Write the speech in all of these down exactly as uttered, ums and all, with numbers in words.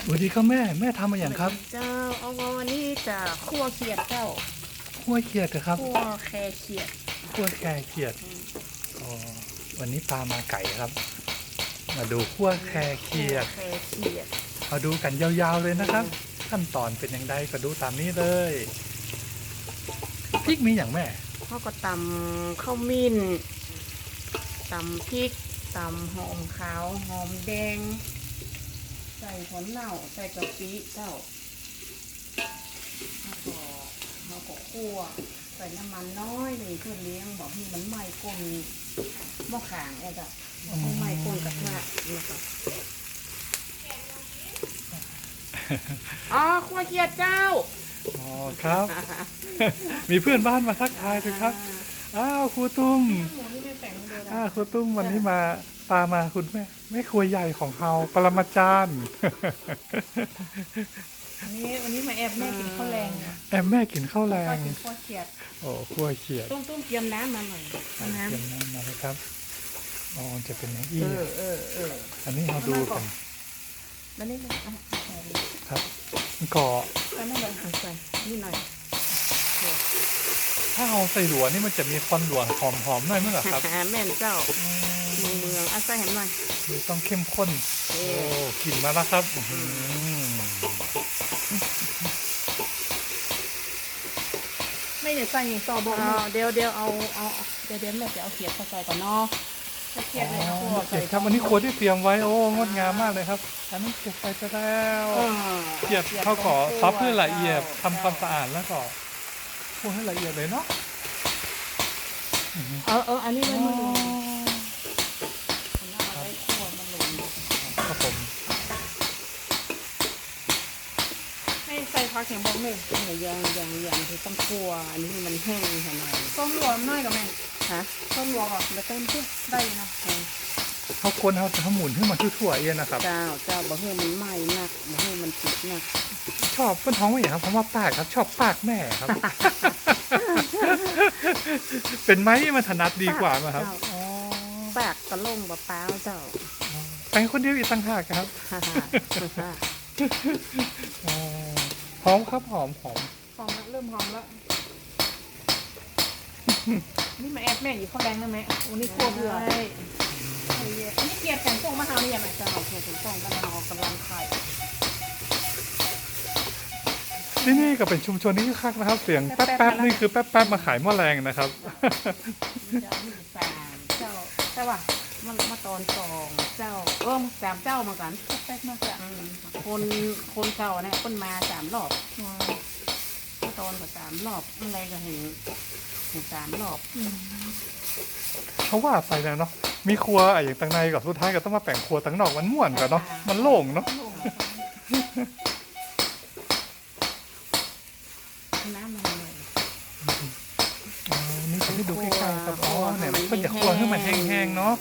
สวัสดีครับแม่แม่ทำมาอย่างครับเจ้าเอาวันนี้จะคั่วเขียดเจ้าคั่วเขียดเหรอครับคั่วแคเขียดคั่วแคเขียดอ๋อวันนี้ปลามาไก่ครับมาดูคั่วแคเขียดแคเขียดมาดูกันยาวๆเลยนะครับขั้นตอนเป็นอย่างไรก็ดูตามนี้เลยพริกมีอย่างแม่เขาก็ตำข้าวมิ้นตำพริกตำหอมขาวหอมแดงใส่ผลเน่าใส่กะปิเจ้าแล้วก็เราก็คั่วใส่น้ำมันน้อยเลยเพื่อเลี้ยงบอกให้มันไหม้ก้นหม้อขางไอ้จ้ะให้ไหม้ก้นกระทะนะคะอ๋อคั่วเขียดเจ้าอ๋อครับมีเพื่อนบ้านมาทักทายด้วยครับอ้าวครูตุ้มอ้าวครูตุ้มวันนี้มาปามาคุณแม่แม่ครัวใหญ่ของเราปรมาจารย์วันนี้วันนี้มาแอบแม่กินข้าวแรงแอบแม่กินข้าวแรงกินข้าวเขียดโอ้คั่วเขียดตุ้มตุ้มเตรียมน้ำมาหน่อยน้ำเตรียมน้ำมาเลยครับอ๋อจะเป็นอย่างนี้เออเออเอออันนี้เราดูกันแล้วนี่เลยครับก่อแล้วนี่เลยใส่นี่หน่อยถ้าเอาใส่หลวนี่มันจะมีควันหลวหอมๆหน่อยมั้งเหรอครับแม่นเจ้าเมืองเมืองอาศัยเห็นไหมต้องเข้มข้นโอ้กลิ่นมาแล้วครับไม่เดี๋ยวใส่อย่างต่อบอกเดี๋ยวเดี๋ยวเอาเอาเดี๋ยวเดี๋ยวแม่จะเอาเขียดใส่ก่อนเนาะเขียดเลยนะเขียดครับอันนี้ครัวที่เตรียมไว้โอ้งดงามมากเลยครับอันนี้เก็บไปจะแล้วเขียดเขาขอซับเพื่อละเอียดทำความสะอาดแล้วก็คั่วให้ละเอียดเลยเนาะเออเอออันนี้ไม่มาลงเอาไว้คั่วมาลงครับผมให้ใส่ผักแข็งบอกหนึ่งอย่างอย่างอย่างที่ต้องคั่วอันนี้มันแห้งขนาดต้มรวมน้อยกับแม่ฮะต้มรวมอ่ะแล้วเติมเพื่อได้เนาะเขาคนเขาทำหมุนให้มันทั่วๆเองนะครับเจ้าเจ้าบะเฮือมันไหม้หนักบะเฮือมันติดหนักชอบเป็นท้องไม่อย่างครับเพราะว่าปากครับชอบปากแม่ครับเป็นไม้มันถนัดดีกว่าไหมครับปากกระล่งบะเปล่าเจ้าแปลงคนเดียวอีกต่างหากครับหอมครับหอมหอมหอมแล้วเริ่มหอมแล้วนี่มาแอบแม่อยู่ข้าวแรงได้ไหมวันนี้คั่วเบื่ออันนี้เกียร์แข็งฟงมะฮาวนี่ยังไงเจ้าเกียร์แข็งฟงกำลังกำลังไข่ที่นี่ก็เป็นชุมชนที่คึกคักนะครับเสียงแป๊บๆนี่คือแป๊บๆมาขายหม้อแรงนะครับเจ้ามีสามเจ้าใช่ป่ะมันมาตอนสองเจ้าเออสามเจ้ามากันแป๊บๆมาจ้ะคนคนเก่าเนี่ยคนมาสามรอบมาตอนกับสามรอบอะไรก็เห็นเห็นสามรอบเขาว่าไปแล้วเนาะมีครัวไอ้อย่างตั้งในกับสุดท้ายก็ต้องมาแบ่งครัวตั้งนอกมันม่วนกันเนาะมันโล่งเนาะน้ำมันเลยอ๋อนี่จะให้ดูใกล้ๆครับอ๋อเนี่ยมันจะครัวให้มันแห้งๆเนาะ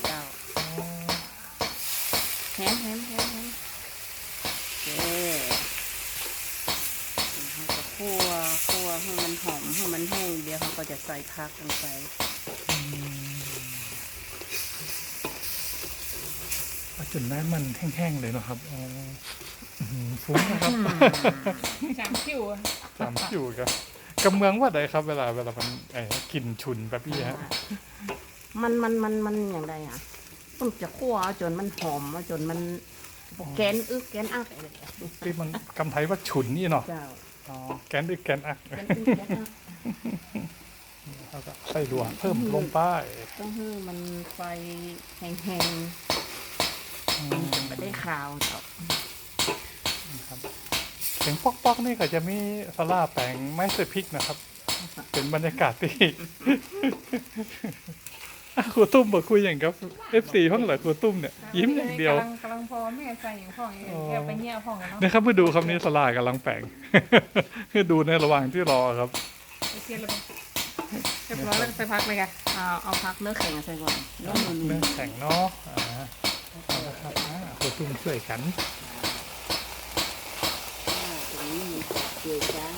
แห้งแห้งแห้งแห้งเจ๊เขาจะคั่วคั่วให้มันหอมให้มันแห้งเดี๋ยวเขาก็จะใส่ผักลงไปจนน้ำมันแห้งๆเลยเนาะครับอ๋อฟุ้งนะครับสามคิวสามคิวครับกำเมืองว่าใดครับเวลาเวลามันไอ้กลิ่นฉุนแบบนี้ฮะมันมันมันมันอย่างไรอ่ะต้องจะคั่วจนมันหอมจนมันแกนอึกแกนอักอะไรที่มันกำไทยว่าฉุนนี่เนาะอ๋อแกนอึกแกนอักแล้วก็ใส่หลวงเพิ่มลงไปต้องให้มันไฟแห้งๆไม่ได้ขาวจ้ะเสียงป๊อกๆนี่ก็จะมีสลาแปลงไม้เสพริกนะครับเป็นบรรยากาศที่ครูตุ้มบอกคุยอย่างกับเอฟซีห้องเหรอครูตุ้มเนี่ยยิ้มอย่างเดียวกำลังพอแม่ใส่อย่างพ่อแกไปเงี้ยพ่อเนาะนะครับเพื่อดูคำนี้สลากำลังแปลงเพื่อดูในระหว่างที่รอครับเรียบร้อยแล้วใส่พักเลยค่ะเอาเอาพักเนื้อแข็งใส่ก่อนเนื้อแข็งเนาะเอาละครับครูตุ้มช่วยกันเกี่ยวกัน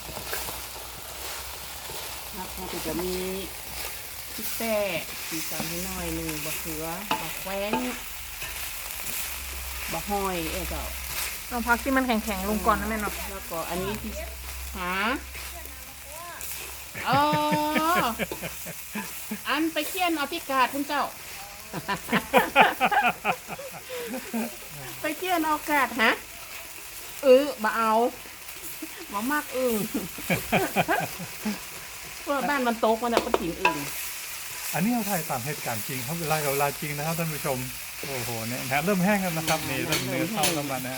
ครับเขาจะมีพริกแป้สีสันนิดหน่อยหนึ่งบะเขือบะแคว้นบะห้อยเออเจ้าเอาพักที่มันแข็งๆลงก่อนนะแม่เนาะแล้วก็อันนี้ที่หาเอออันไปเคี่ยนเอาพิกาดคุณเจ้า ไปเคี่ยนเอากาดฮะเออบ่เอาบ่มากอึ่ง เพราะบ้านมันโตกมันจะเป็นถิ่นอึ่งอันนี้เราถ่ายตามเหตุการณ์จริงครับเวลากับเวลาจริงนะครับท่านผู้ชมโอ้โหเนี่ยนะเริ่มแห้งแล้วนะครับนี่เริ่มเนื้อเข้าแล้วมานะฮะ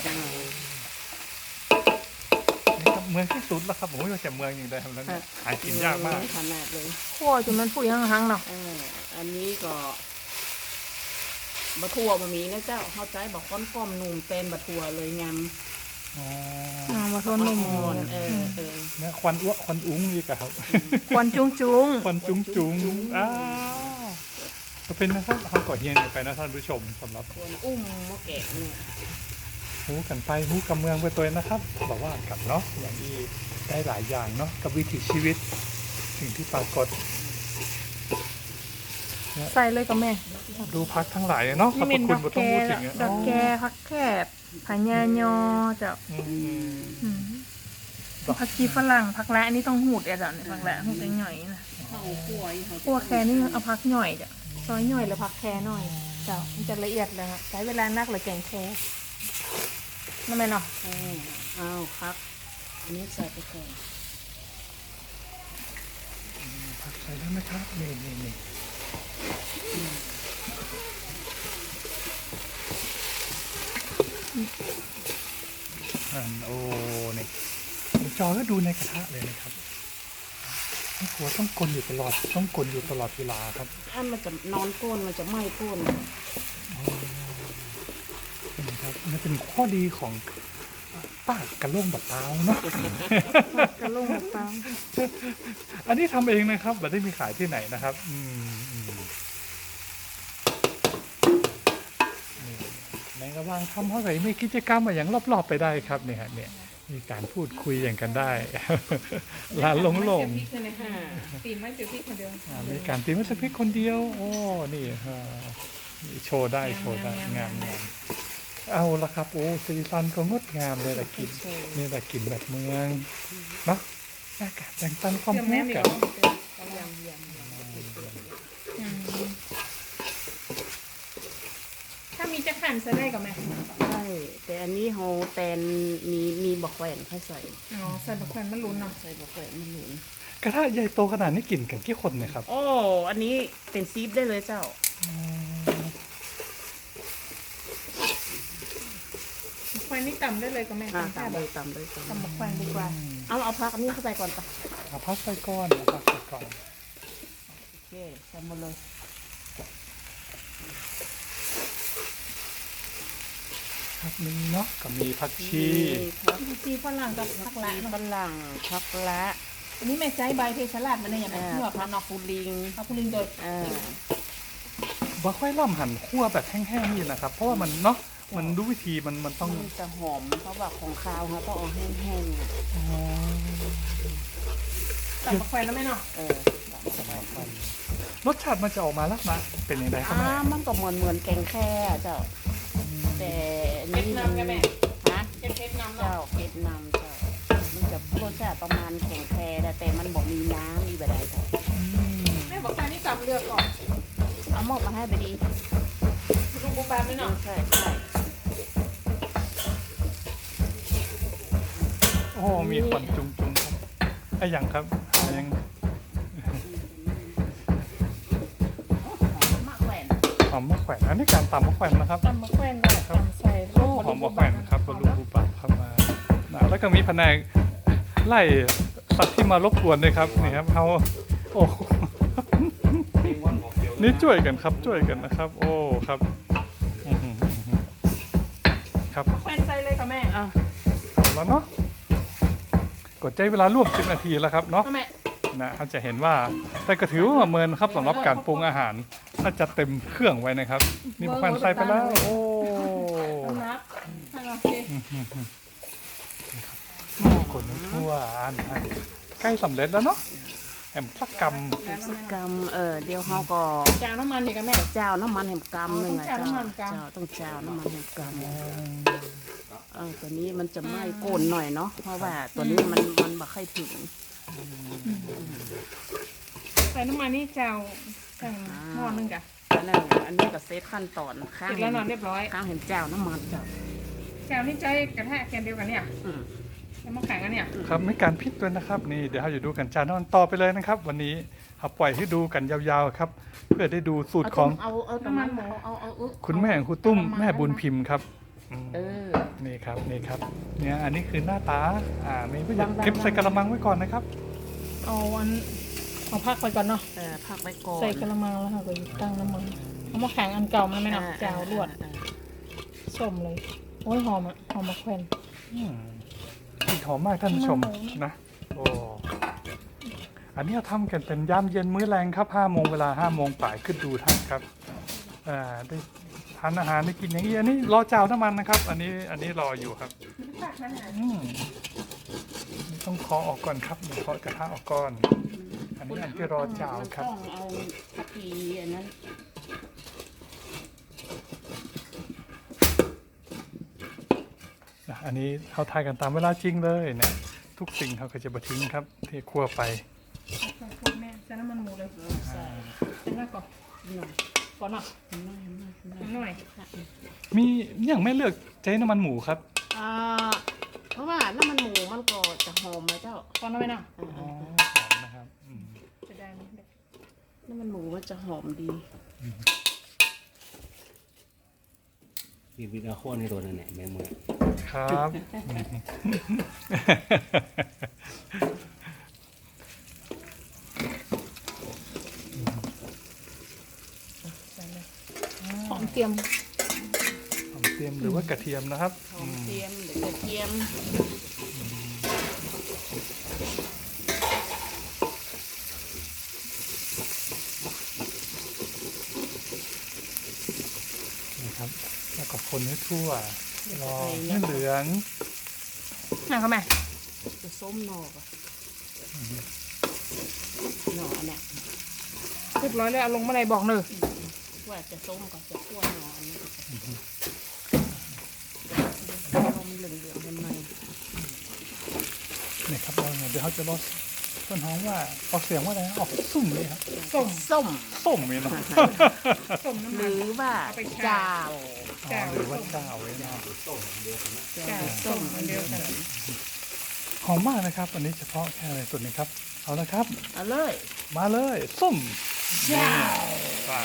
นี่ครับเมืองที่สุดแล้วครับผมว่าจะเมืองอย่างไรครับแล้วเนี่ยหากินยากมากขนาดเลยคั่วจนมันผุยหังๆเนาะเอออันนี้ก็บะทั่วบะหมี่นะเจ้าเข้าใจบอกก้อนก้อมหนุ่มเป็นบะทั่วเลยงามอ๋ออ่ามาทนนมอ่อนเออเออเนี่ยควันอ้วกควันอุ้งอีกอะครับควันจุ้งจุ้งควันจุ้งจุ้งอ้าวก็เป็นนะครับเขาก่อเฮียนกันไปนะท่านผู้ชมสำหรับควรอุ้มมะแกะเนี่ยหูกันไปหูกับเมืองไปตัวนะครับบอกว่ากันเนาะอย่างที่ได้หลายอย่างเนาะกับวิถีชีวิตสิ่งที่ปรากฏใส่เลยกับแม่ดูพักทั้งหลายเนาะขอบนี่พเป็ระนคุดณอกบ่แกต้องพูดถึงอะดอกแกพักแคบผายายอเจ้าอืมอืมผักชีฝรั่งผักละอันนี้ต้องหูดเอ็ดอ่ะเนี่ยผักละหูดหน่อยๆนะเข้าคั่วอีเขาคั่วแค่นี่เอาพักหน่อยจ้ะซอยหน่อยหรือพักแค่หน่อยเจ้ามันจะละเอียดเลยค่ะใช้เวลานักหรือแกงแค่นั่นไหมเนาะเออเอาครับอันนี้ใส่ไปก่อนผักใส่ได้ไหมครับนี่นี่นี่อันโอ้นี่จอก็ดูในกระทะเลยนะครับไม่กลัวต้องกลนอยู่ตลอดต้องกลนอยู่ตลอดเวลาครับอันมันจะนอนก้นมันจะไหม้ก้นนะครับนี่เป็นข้อดีของป้ากระโล่งบัดเตาเนาะกระลงกับเปล่าอันนี้ทำเองนะครับไม่ได้มีขายที่ไหนนะครับ อืมอืมนี่ในระหว่างทำเท่าไหร่มีกิจกรรมอะไรอย่างรอบๆไปได้ครับเนี่ยฮะเนี่ยมีการพูดคุยอย่างกันได้ ลานลงลงอ่าตีไม่เจอพี่คนเดียวอ่ามีการตีมัสพิกคนเดียว โอ้นี่ฮะนี่โชว์ได้โชว์ได้งามงามเอาละครับโอ้สีสันก็งดงามเลยละกินนี่แหละกินแบบเมืองเนาะอากาศแบ่งปันความรู้กันยำยำถ้ามีจะขันจะได้กับแม่ใช่แต่อันนี้โฮแตนมีมีบอกแหวนเขาใส่อ๋อใส่บักแวนมันลุ้นเนาะใส่บอกแหวนมันหนุนกระทะใหญ่โตขนาดนี้กินกันกี่คนเนี่ยครับโอ้อันนี้เป็นซีฟได้เลยเจ้าบักแวนนี่ต่ำได้เลยกับแม่อ่าต่ำแค่ตำแบเลบยตำเลยตำต่ำบักแวนดีกว่าเอาเอาพักอันนี้เข้าไปก่อนปะเอาพักใส่ก้อนเอาพักใส่ก้อนโอเคใส่หมดเลยครับมีเนาะก็มีผักชีพักชีฝรั่งกับผักละชีเนาะฝรั่งพักละอันนี้แม่ใจใบเทสลัดมันเนี่ยอย่างไรอ่าที่ว่าพัพักกเนาะฟูลิงพักพุลินโดยอ่าบ่ค่อยล่ำหั่นคั่วแบบแห้งๆนี่นะครับ เพราะว่ามันเนาะมันรู้วิธีมันมันต้องมันจะหอมเพราะว่าของคาวเขาต้องเอาแห้งๆอ่ะอ๋อต่ำบักแวนแล้วไหมเนาะเออรสชาติมันจะออกมาลักษณะเป็นยังไงครับอ่าแม่มันก็เหมือนเหมือนแกงแค่เจ้า แต่อันเผ็ดนี่มันนำกันแม่ฮะเผ็ดเผ็ดนำเจ้าเนาะเผ็ดนำเจ้า มันจะรสชาติประมาณแข็งแค่แต่มันบอกมีน้ำมีแบบใดเจ้าอืมแม่บอกแวนนี่ต่ำเลือกก่อนเอาหมกมาให้ไปดีลูกบูบานไหมเนาะใช่ใช่โอ้มีควันจุงจุงครับไอ้ยังครับไอ้ยังมะแขวนหอมมะแขวนอันนี้การตำมะแขวนนะครับต่ำบักแวนก็ต่ำใส่โอ้หอมมะแขวนครับบรูบูปะครับมานะแล้วก็มีแผนกไล่สัตว์ที่มารบกวนด้วยครับนี่ครับเขาโอ้ นี่ช่วยกันครับช่วยกันนะครับ โอ้ครับอื้อหือครับแวนใส่เลยกับแม่อ่ะเอาแล้วเนาะกดใจเวลาร่วมสิบนาทีแล้วครับเนาะเอาแม่นะเขาจะเห็นว่าแต่ก็ถือว่าเมินครับสำหรับการปรุงอาหารถ้าจะเต็มเครื่องไว้นะครับ นี่ควันใส่ไปแล้วโอ้สำนับให้เราสิคนทั่วอันอันใกล้สำเร็จแล้วเนาะแอมสักกรรมสักกรรมเออเดี๋ยวเขาก็จางน้ำมันดีกับแม่เจ้าน้ำมันแห่งกรรมหนึ่งอ๋อต้องเจ้าน้ำมันกรรมเจ้าต้องเจ้าน้ำมันแห่งกรรมเออไปตัวนี้มันจะไหม้ก้นหน่อยเนาะเพราะว่าตัวนี้มันมันบ่ค่อยถึงใส่น้ำมันนี่เจ้าใส่หม้อนึงกะอันนั้นอันนี้ก็เซตขั้นตอนข้างติดแล้วนอนเรียบร้อยข้างเห็นเจ้าน้ำมันเจ้าเจ้านี่ใจกระแทกแกนเดียวกันเนี่ยอืมแล้วมาแข่งกันเนี่ยครับไม่การพลิกด้วยนะครับนี่เดี๋ยวเราจะดูกันจานอนต่อไปเลยนะครับ วันนี้เราปล่อยให้ดูกันยาวๆครับ เพื่อได้ดูสูตรของเอาเอาน้ำมันหมูเอาเอาเอาคุณแม่ของครูตุ้มแม่บุญพิมพ์ครับอืมเออนี่ครับนี่ครับเนี่ยอันนี้คือหน้าตาอ่านี่ก็จะบางๆเก็บใส่กระมังไว้ก่อนนะครับเอาอันเอาพักไปก่อนเนาะเออพักไว้ก่อนใส่กระมังแล้วค่ะก็ตั้งน้ำมันเอามาแข่งอันเก่ามันไหมเนาะเจ้าลวดอ่าส้มเลยโอ้ยหอมอ่ะหอมมะแขวนอืมกลิ่นหอมมากท่านผู้ชมหอมนะโอ้อันนี้เราทำกันเป็นยามเย็นมื้อแรงครับห้าโมงเวลาห้าโมงป่ายขึ้นดูท่านครับอ่าได้ทานอาหารได้กินอย่างนี้อันนี้รอเจ้าน้ำมันนะครับ อันนี้อันนี้รออยู่ครับอืมต้องเคาะออกก่อนครับเดี๋ยวเคาะกระทะออกก่อน อันนี้อันที่รอเจ้าครับต้องเอาทัพพีอันนั้นนะอันนี้เขาทายกันตามเวลาจริงเลยเนี่ยทุกสิ่งเขาก็จะบะทิ้งครับเทคั่วไปแม่ใส่น้ำมันหมูเลยใส่ใส่หน้าก่อนหน่อยก่อนเนาะหน่อยหน่อยหน่อยหน่อยมีอย่างไม่เลือกใช้น้ำมันหมูครับอ่าเพราะว่าน้ำมันหมูมันก็จะหอมไหมเจ้าก่อนเอาไว้เนาะอ่าอ๋อหอมนะครับอืมจะได้ไหมน้ำมันหมูมันจะหอมดีวิวิดาโคนในตัวนั่นแหละแม่มือครับหอมเตรียมหอมเทียมหรือว่ากระเทียมนะครับหอมเทียมหรือกระเทียมนะครับแล้วก็คนให้ทั่วรอให้เหลืองนั่งเข้ามาจะส้มหน่อก่อนหน่อเนี่ยเรียบร้อยแล้วเอาลงมาในบอกเนอะว่าจะส้มก็จะคั่วหน่ออันนี้ลมเหลืองๆมันไหมนี่ครับเราเดี๋ยวเขาจะรสต้นหอมว่าออกเสียงว่าอะไรนะออกสุ่มเลยครับส้มส้มส้มเลยเนาะส้มน้ำหมันรือว่าเอาไปแช่จาวอ๋อหรือว่าเจ้าไว้เนาะแก้วส้มอันเดียวกันหอมมากนะครับ อันนี้เฉพาะแค่ในส่วนนี้ครับ เอาละครับเอาเลยมาเลยส้มจ้าป่า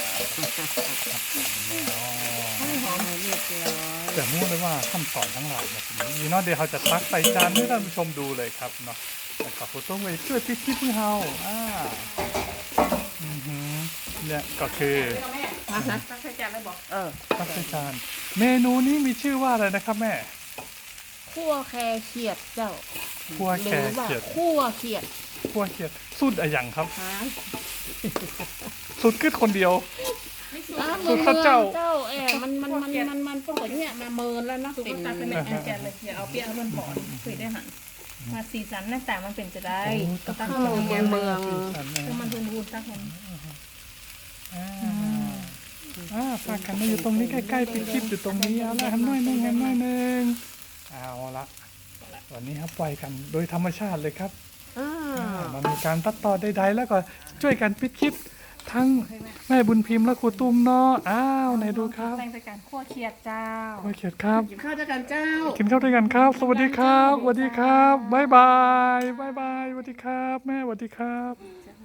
ให้หอมเรียบร้อยแต่รู้เลยว่าขั้นตอนทั้งหลายแบบนี้เนาะเดี๋ยวเขาจะตักใส่จานให้ท่านผู้ชมดูเลยครับเนาะแล้วก็คุณต้องไปช่วยพริกขี้มือเฮาอ่าอือหือเนี่ยก็คือมานะตั้งใจจัดเลยบอกเออตักใส่จานเมนูนี้มีชื่อว่าอะไรนะครับแม่คั่วแครเขียดเจ้าคั่วแครเขียดหรือว่าคั่วเขียดคั่วเขียดสูตรอะไรอย่างครับหาสูตรกึดคนเดียวอ่าสูตรข้าวเจ้าเจ้าเอ๋มันมันมันมันมันพวกเนี่ยมาเมินแล้วเนาะสุกเป็นตัดเป็นอันแกนเลยอย่าเอาเปียกมันหอนคุยได้หันมาสีสันหน้าตามันเป็นจะได้ก็ตั้งข้าวโรงเมืเรีอย งนเมืองถ้ามันทุนทุนตั้งมันอ่าอ่าฝากกันมาอยู่ตรงนี้ใกล้ๆปิดคลิปอยู่ตรงนี้เอาละทำหน่อยหนึงทำหน่อยหนึงเอาละวันนี้ครับปล่อยกันโดยธรรมชาติเลยครับอ่ามันมีการตัดต่อใดๆแล้วก็ช่วยกันปิดคลิปทั้งแม่บุญพิมพ์และครูตุ้มเนาะอ้าวไหนดูครับแต่งจากการขั้วเคียดเจ้าโอเคครับกินข้าวด้วยกันเจ้ากินข้าวด้วยกันครับ สวัสดีครับสวัสดีครับบ๊ายบายบ๊ายบายสวัสดีครับ แม่สวัสดีครับ